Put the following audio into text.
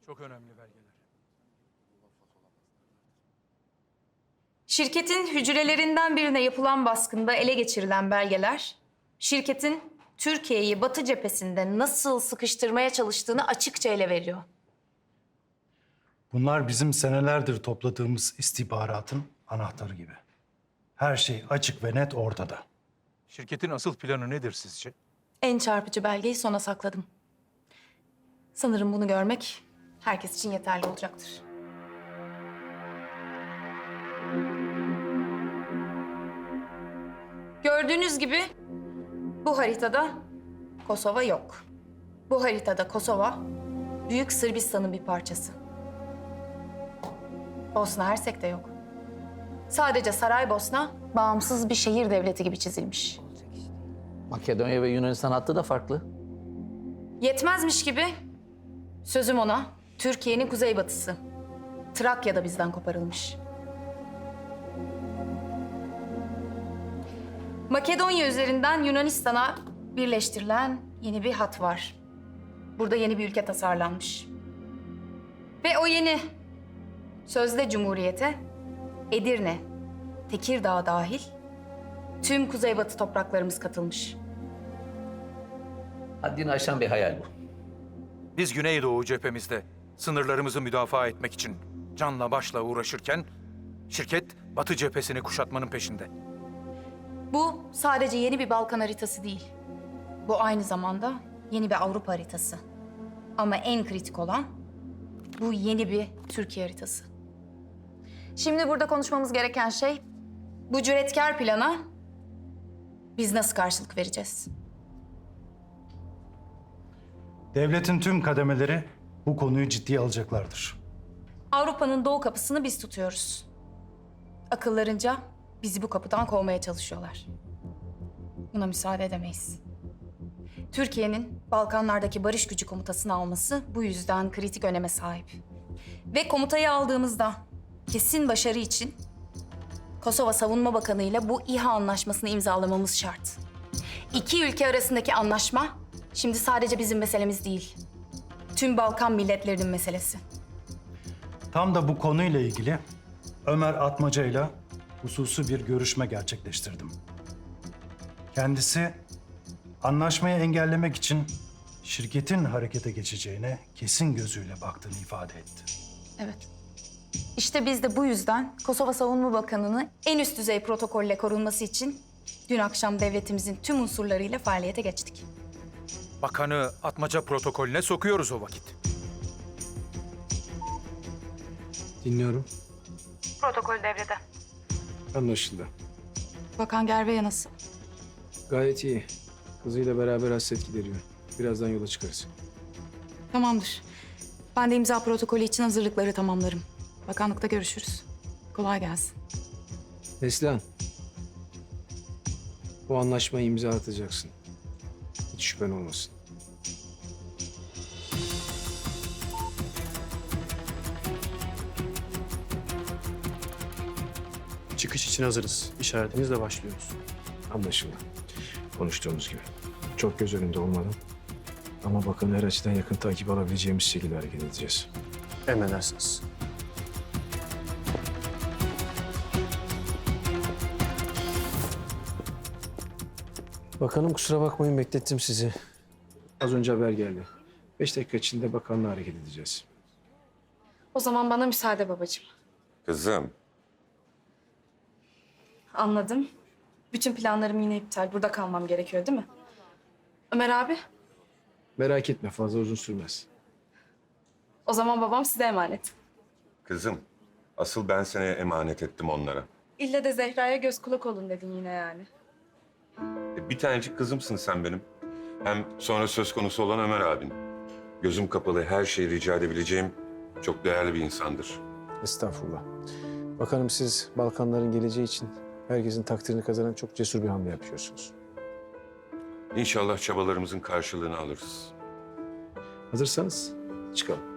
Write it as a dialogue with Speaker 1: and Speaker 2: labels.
Speaker 1: Çok önemli belgeler.
Speaker 2: Şirketin hücrelerinden birine yapılan baskında ele geçirilen belgeler, şirketin Türkiye'yi Batı cephesinde nasıl sıkıştırmaya çalıştığını açıkça ele veriyor.
Speaker 3: Bunlar bizim senelerdir topladığımız istihbaratın anahtarı gibi. Her şey açık ve net ortada.
Speaker 1: Şirketin asıl planı nedir sizce?
Speaker 2: En çarpıcı belgeyi sona sakladım. Sanırım bunu görmek herkes için yeterli olacaktır. Gördüğünüz gibi bu haritada Kosova yok. Bu haritada Kosova, Büyük Sırbistan'ın bir parçası. Bosna Hersek de yok. Sadece Saraybosna bağımsız bir şehir devleti gibi çizilmiş.
Speaker 4: Makedonya ve Yunanistan hattı da farklı.
Speaker 2: Yetmezmiş gibi sözüm ona Türkiye'nin kuzeybatısı. Trakya da bizden koparılmış. Makedonya üzerinden Yunanistan'a birleştirilen yeni bir hat var. Burada yeni bir ülke tasarlanmış. Ve o yeni sözde cumhuriyete Edirne, Tekirdağ dahil tüm kuzeybatı topraklarımız katılmış.
Speaker 4: Haddini aşan bir hayal bu.
Speaker 1: Biz Güneydoğu cephemizde sınırlarımızı müdafaa etmek için canla başla uğraşırken şirket Batı cephesini kuşatmanın peşinde.
Speaker 2: Bu sadece yeni bir Balkan haritası değil. Bu aynı zamanda yeni bir Avrupa haritası. Ama en kritik olan bu yeni bir Türkiye haritası. Şimdi burada konuşmamız gereken şey bu cüretkar plana biz nasıl karşılık vereceğiz?
Speaker 3: Devletin tüm kademeleri bu konuyu ciddiye alacaklardır.
Speaker 2: Avrupa'nın doğu kapısını biz tutuyoruz. Akıllarınca bizi bu kapıdan kovmaya çalışıyorlar. Buna müsaade edemeyiz. Türkiye'nin Balkanlardaki barış gücü komutasını alması bu yüzden kritik öneme sahip. Ve komutayı aldığımızda kesin başarı için Kosova Savunma Bakanı ile bu İHA anlaşmasını imzalamamız şart. İki ülke arasındaki anlaşma şimdi sadece bizim meselemiz değil. Tüm Balkan milletlerinin meselesi.
Speaker 3: Tam da bu konuyla ilgili Ömer Atmaca ile hususi bir görüşme gerçekleştirdim. Kendisi anlaşmayı engellemek için şirketin harekete geçeceğine kesin gözüyle baktığını ifade etti.
Speaker 2: Evet. İşte biz de bu yüzden Kosova Savunma Bakanı'nı en üst düzey protokolle korunması için dün akşam devletimizin tüm unsurlarıyla faaliyete geçtik.
Speaker 1: Bakanı Atmaca protokolüne sokuyoruz o vakit.
Speaker 5: Dinliyorum.
Speaker 2: Protokol devrede.
Speaker 5: Anlaşıldı.
Speaker 2: Bakan Gerveya nasıl?
Speaker 5: Gayet iyi. Kızıyla beraber hasret gideriyor. Birazdan yola çıkarız.
Speaker 2: Tamamdır. Ben de imza protokolü için hazırlıkları tamamlarım. Bakanlıkta görüşürüz. Kolay gelsin.
Speaker 5: Neslihan. Bu anlaşmayı imza atacaksın. Hiç şüphen olmasın.
Speaker 6: Çıkış için hazırız. İşaretinizle başlıyoruz.
Speaker 5: Anlaşıldı. Konuştuğumuz gibi. Çok göz önünde olmadan ama bakın her açıdan yakın takip alabileceğimiz şekilde hareket edeceğiz.
Speaker 6: Emredersiniz.
Speaker 5: Bakanım kusura bakmayın beklettim sizi. Az önce haber geldi. 5 dakika içinde bakanla hareket edeceğiz.
Speaker 2: O zaman bana müsaade babacığım.
Speaker 7: Kızım,
Speaker 2: Anladım. Bütün planlarım yine iptal. Burada kalmam gerekiyor değil mi? Ömer abi,
Speaker 5: Merak etme fazla uzun sürmez.
Speaker 2: o zaman babam size emanet.
Speaker 7: kızım. Asıl ben seni emanet ettim onlara.
Speaker 2: İlle de Zehra'ya göz kulak olun dedin yine yani.
Speaker 7: Bir tanecik kızımsın sen benim. Hem sonra söz konusu olan Ömer abin. Gözüm kapalı her şeyi rica edebileceğim çok değerli bir insandır.
Speaker 5: Estağfurullah. Bakanım siz Balkanların geleceği için herkesin takdirini kazanan çok cesur bir hamle yapıyorsunuz.
Speaker 7: İnşallah çabalarımızın karşılığını alırız.
Speaker 5: Hazırsanız çıkalım.